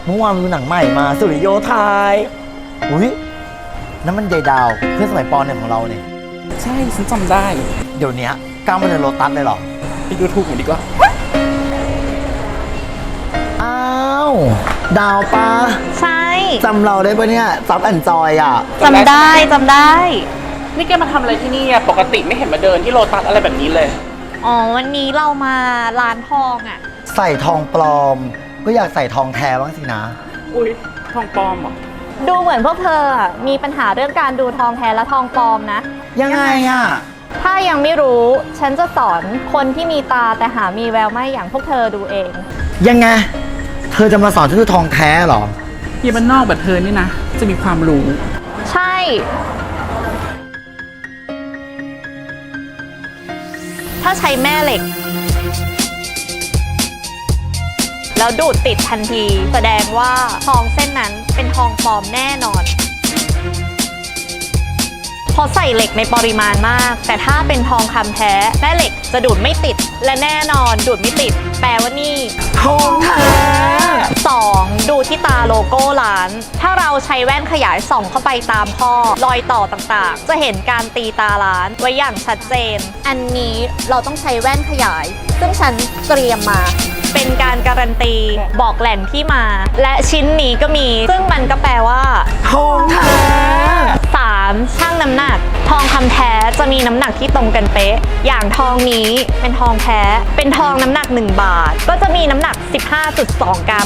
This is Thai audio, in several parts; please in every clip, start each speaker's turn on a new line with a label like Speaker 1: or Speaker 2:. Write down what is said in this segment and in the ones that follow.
Speaker 1: เมื่อวานมีหนังใหม่มาสุริโยไทยอุ้ยนั่นมันยายดาวเพื่อนสมัยป .1 ของเราเนี่ย
Speaker 2: ใช่ฉันจำได้
Speaker 1: เดี๋ยวนี้ก้าวมาเดินโลตัสเลยเหรอ
Speaker 2: ไปดูถูกหน่อยดีกว่า
Speaker 1: อ้าวดาวปะ
Speaker 3: ใช่
Speaker 1: จำเราได้ปะเนี่ยซับแอนจอยอ่ะ
Speaker 3: จำได้จำได้
Speaker 2: นี่แกมาทำอะไรที่นี่อะปกติไม่เห็นมาเดินที่โลตัสอะไรแบบนี้เลย
Speaker 3: อ๋อวันนี้เรามาร้านทองอ่ะ
Speaker 1: ใส่ทองปลอม ก็อยากใส่ทองแท้บ้างสินะ
Speaker 2: อุ้ยทองปลอมเหรอ
Speaker 3: ดูเหมือนพวกเธออะมีปัญหาเรื่องการดูทองแท้และทองปลอมนะ
Speaker 1: ยังไงอ่ะ
Speaker 3: ถ้ายังไม่รู้ฉันจะสอนคนที่มีตาแต่หามีแววไม่อย่างพวกเธอดูเอง
Speaker 1: ยังไง เธอจะมาสอนฉันดูทองแท้เหรอ
Speaker 2: เยี่ยมันนอกแบบเธอนี่นะ จะมีความรู้
Speaker 3: ใช่ ถ้าใช้แม่เหล็ก แล้วดูดติดทันที แสดงว่าทองเส้นนั้นเป็นทองปลอมแน่นอนเพราะใส่เหล็กในปริมาณมาก แต่ถ้าเป็นทองคำแท้แม่เหล็กจะดูดไม่ติด และแน่นอนดูดไม่ติด แปลว่านี่
Speaker 1: ทองแท้
Speaker 3: 2. ดูที่ตาโลโก้ร้าน ถ้าเราใช้แว่นขยายส่องเข้าไปตามข้อรอยต่อต่างๆ จะเห็นการตีตาร้านไว้อย่างชัดเจน อันนี้เราต้องใช้แว่นขยาย ซึ่งฉันเตรียมมา เป็นการการันตีบอกแหล่งที่มา และชิ้นนี้ก็มี ซึ่งมันก็แปลว่า
Speaker 1: ทองแท้
Speaker 3: 3. ชั่งน้ำหนัก ทองคำแท้จะมีน้ำหนักที่ตรงกันเป๊ะ อย่างทองนี้เป็นทองแท้ เป็นทองน้ำหนัก1 บาท ก็จะมีน้ำหนัก 15.2 กรัม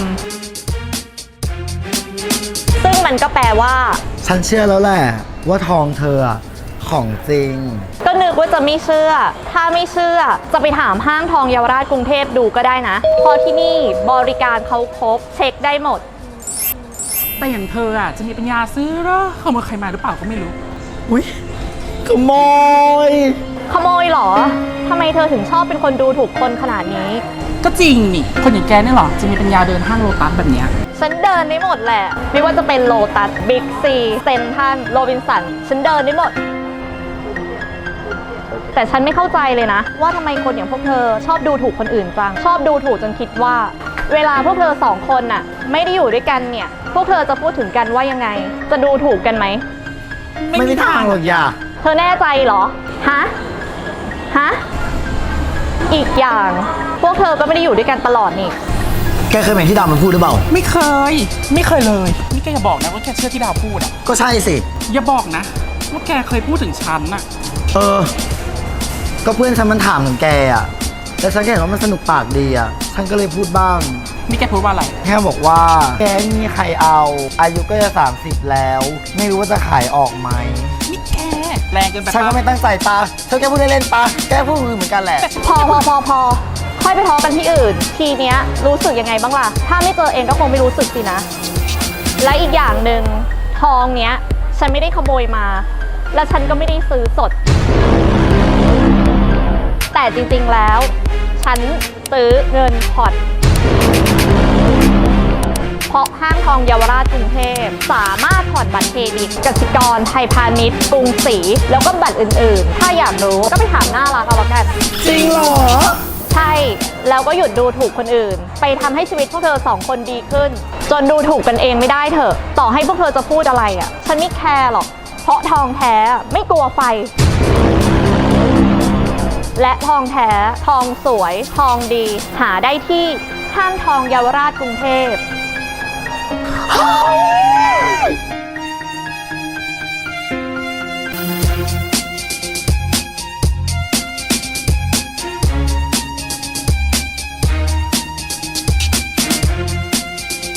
Speaker 3: ซึ่งมันก็แปลว่า
Speaker 1: ฉันเชื่อแล้วแหละว่าทองเธออะของจริง
Speaker 3: ก็นึกว่าจะไม่เชื่อ ถ้าไม่เชื่อจะไปถามห้างทองเยาวราชกรุงเทพดูก็ได้นะ เพราะที่นี่บริการเขาครบเช็คได้หมด
Speaker 2: แต่อย่างเธออะจะมีปัญญาซื้อเหรอขโมยใครมาหรือเปล่าก็ไม่รู้
Speaker 1: อุ้ยขโมย
Speaker 3: ขโมยเหรอ ทำไมเธอถึงชอบเป็นคนดูถูกคนขนาดนี้
Speaker 2: ก็จริงนี่ คนอย่างแกเนี่ยเหรอ จะมีปัญญาเดินห้างโลตัสแบบเนี้ย
Speaker 3: ฉันเดินได้หมดแหละ ไม่ว่าจะเป็นโลตัส บิ๊กซีเซนทรัลโรบินสัน ฉันเดินได้หมด แต่ฉันไม่เข้าใจเลยนะ ว่าทำไมคนอย่างพวกเธอชอบดูถูกคนอื่นจัง ชอบดูถูกจนคิดว่า เวลาพวกเธอ2 คนน่ะ ไม่ได้อยู่ด้วยกันเนี่ย พวกเธอจะพูดถึงกันว่ายังไง จะดูถูกกันไหม
Speaker 1: ไม่มีทางหรอกอย่า
Speaker 3: เธอแน่ใจเหรอ ฮะ ฮะ อีกอย่าง พวกเธอก็ไม่ได้อยู่ด้วยกันตลอดนี่
Speaker 1: แกเคยเห็นที่ดาวมันพูดหรือเปล่า
Speaker 2: ไม่เคย ไม่เคยเลย นี่แกอย่าบอกนะว่าแกเชื่อที่ดาวพูดอะ
Speaker 1: ก็ใช่สิ
Speaker 2: อย่าบอกนะว่าแกเคยพูดถึงฉันอะ
Speaker 1: เออ ก็เพื่อนฉันมันถามถึงแกอ่ะ แล้วฉันก็เห็นว่ามันสนุกปากดีอ่ะ ฉันก็เลยพูดบ้าง
Speaker 2: นี่แกพูดว่าอะไร
Speaker 1: แค่บอกว่า แกไม่มีใครเอา อายุก็จะ30แล้ว ไม่รู้ว่าจะขายออกไหม
Speaker 2: นี่แกแรงเกินไป
Speaker 1: ฉันก็
Speaker 2: ปะ
Speaker 1: ไม่ตั้งใจปะเธอแกพูดเล่นๆปะแกพูดเหมือนกันแหละ
Speaker 3: พอค่อยไปทอกันที่อื่น ทีเนี้ยรู้สึกยังไงบ้างล่ะ ถ้าไม่เจอเองก็คงไม่รู้สึกสินะ และอีกอย่างหนึ่งทองเนี้ย ฉันไม่ได้ขโมยมา และฉันก็ไม่ได้ซื้อสด แต่จริงๆแล้ว ฉันซื้อเงินผ่อน เพราะห้างทองเยาวราชกรุงเทพสามารถผ่อนบัตรเครดิตกสิกรไทยพาณิชย์กรุงศรีแล้วก็บัตรอื่นๆ ถ้าอยากรู้ก็ไปถามหน้าร้านเอาละกัน
Speaker 1: จริงเหรอ
Speaker 3: ใช่ แล้วก็หยุดดูถูกคนอื่น ไปทำให้ชีวิตพวกเธอ2 คนดีขึ้น จนดูถูกกันเองไม่ได้เถอะ ต่อให้พวกเธอจะพูดอะไรอ่ะ ฉันไม่แคร์หรอก เพราะทองแท้ไม่กลัวไฟ และทองแท้ ทองสวย ทองดี หาได้ที่ห้างทองเยาวราชกรุงเทพ